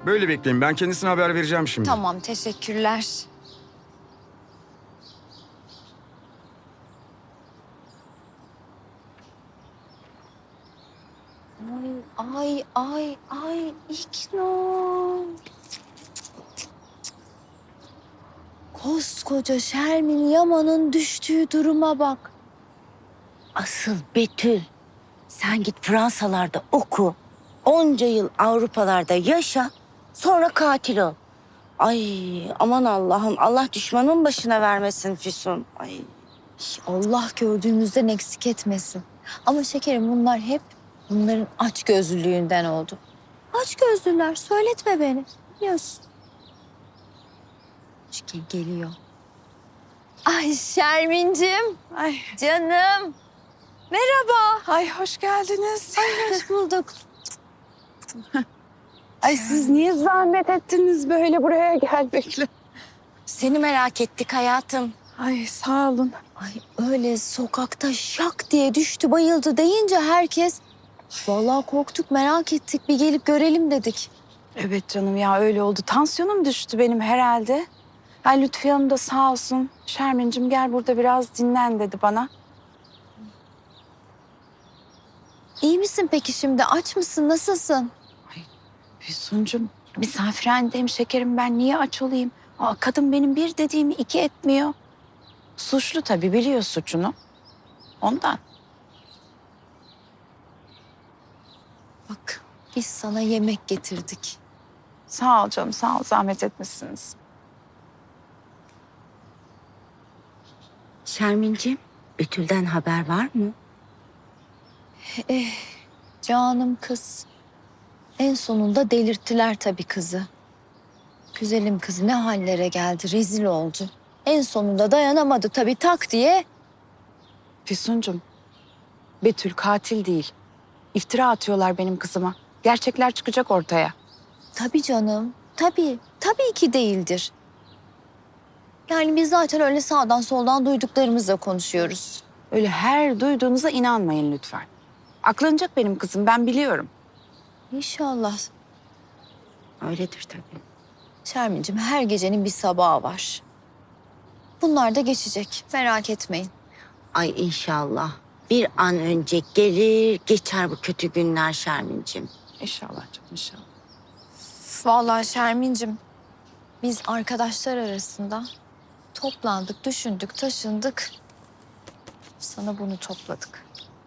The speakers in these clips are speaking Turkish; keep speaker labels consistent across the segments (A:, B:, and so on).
A: Böyle bekleyin. Ben kendisine haber vereceğim şimdi.
B: Tamam, teşekkürler. Ay, İknur. Koskoca Şermin Yaman'ın düştüğü duruma bak.
C: Asıl Betül, sen git Fransalarda oku. Onca yıl Avrupalarda yaşa, sonra katil ol. Ay aman Allah'ım, Allah düşmanın başına vermesin Füsun. Ay.
B: Allah gördüğümüzden eksik etmesin. Ama şekerim bunlar hep bunların açgözlülüğünden oldu. Açgözlüler, söyletme beni. Biliyorsun. Çünkü geliyor. Ay Şermin'cim,
D: Ay,
B: canım. Merhaba.
D: ay hoş geldiniz.
B: Hoş bulduk.
D: Ay siz niye zahmet ettiniz böyle buraya gelmekle?
C: Seni merak ettik hayatım.
D: Ay sağ olun.
B: Ay öyle sokakta şak diye düştü bayıldı deyince herkes... Vallahi korktuk, merak ettik. Bir gelip görelim dedik.
D: Evet canım ya öyle oldu. Tansiyonum düştü benim herhalde. Ay Lütfiye Hanım da sağ olsun. Şermin'cim gel burada biraz dinlen dedi bana.
B: İyi misin peki şimdi? Aç mısın? Nasılsın?
D: Füsun'cum misafirhanedeyim şekerim, ben niye aç olayım? Aa, kadın benim bir dediğimi iki etmiyor. Suçlu tabii, biliyor suçunu. Ondan.
B: Bak biz sana yemek getirdik.
D: Sağ ol canım, sağ ol, zahmet etmişsiniz.
C: Şermin'ciğim, Betül'den haber var mı?
B: Canım kız. En sonunda delirttiler tabii kızı. Güzelim kız ne hallere geldi, rezil oldu. En sonunda dayanamadı tabii, tak diye.
D: Füsun'cum, Betül katil değil. İftira atıyorlar benim kızıma. Gerçekler çıkacak ortaya.
B: Tabii canım, tabii. Tabii ki değildir. Yani biz zaten öyle sağdan soldan duyduklarımızla konuşuyoruz.
D: Öyle her duyduğunuza inanmayın lütfen. Aklanacak benim kızım, ben biliyorum.
B: İnşallah.
C: Öyledir tabii.
B: Şermin'cim her gecenin bir sabahı var. Bunlar da geçecek, merak etmeyin.
C: Ay inşallah. Bir an önce gelir geçer bu kötü günler Şermin'ciğim.
D: İnşallah canım, inşallah.
B: Vallahi Şermin'cim biz arkadaşlar arasında toplandık, düşündük, taşındık. Sana bunu topladık.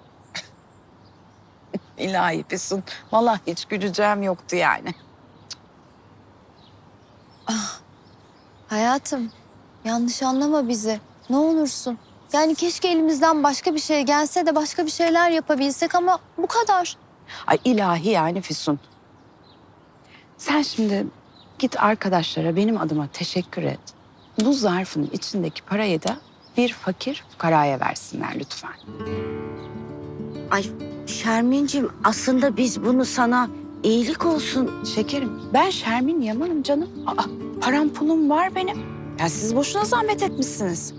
D: İlahi Füsun, vallahi hiç güleceğim yoktu yani.
B: Hayatım, yanlış anlama bizi. Ne olursun. Yani keşke elimizden başka bir şey gelse de başka bir şeyler yapabilsek ama bu kadar.
D: Ay ilahi yani Füsun. Sen şimdi git arkadaşlara benim adıma teşekkür et. Bu zarfın içindeki parayı da bir fakir fukaraya versinler lütfen.
C: Ay Şermin'ciğim aslında biz bunu sana iyilik olsun.
D: Şekerim, ben Şermin Yaman'ım canım. Aa, param pulum var benim. Ya siz boşuna zahmet etmişsiniz.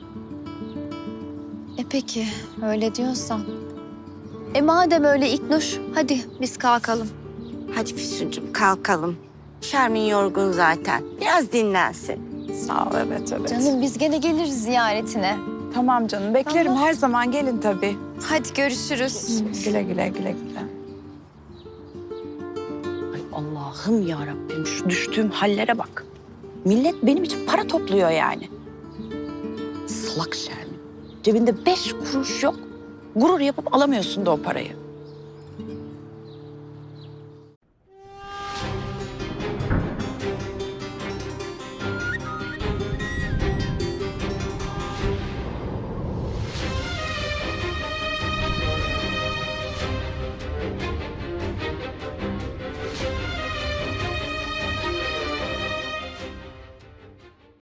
B: Peki, öyle diyorsan. Madem öyle İknur, hadi biz kalkalım.
C: Hadi Füsun'cum kalkalım. Şermin yorgun zaten. Biraz dinlensin.
D: Sağ ol, evet.
B: Canım biz gene geliriz ziyaretine.
D: Tamam canım, beklerim.
B: Tamam.
D: Her zaman gelin tabii.
B: Hadi görüşürüz.
D: Güle güle, güle güle. Ay Allah'ım ya Rabbim, şu düştüğüm hallere bak. Millet benim için para topluyor yani. Salak Şermin. Cebinde 5 kuruş yok. Gurur yapıp alamıyorsun da o parayı.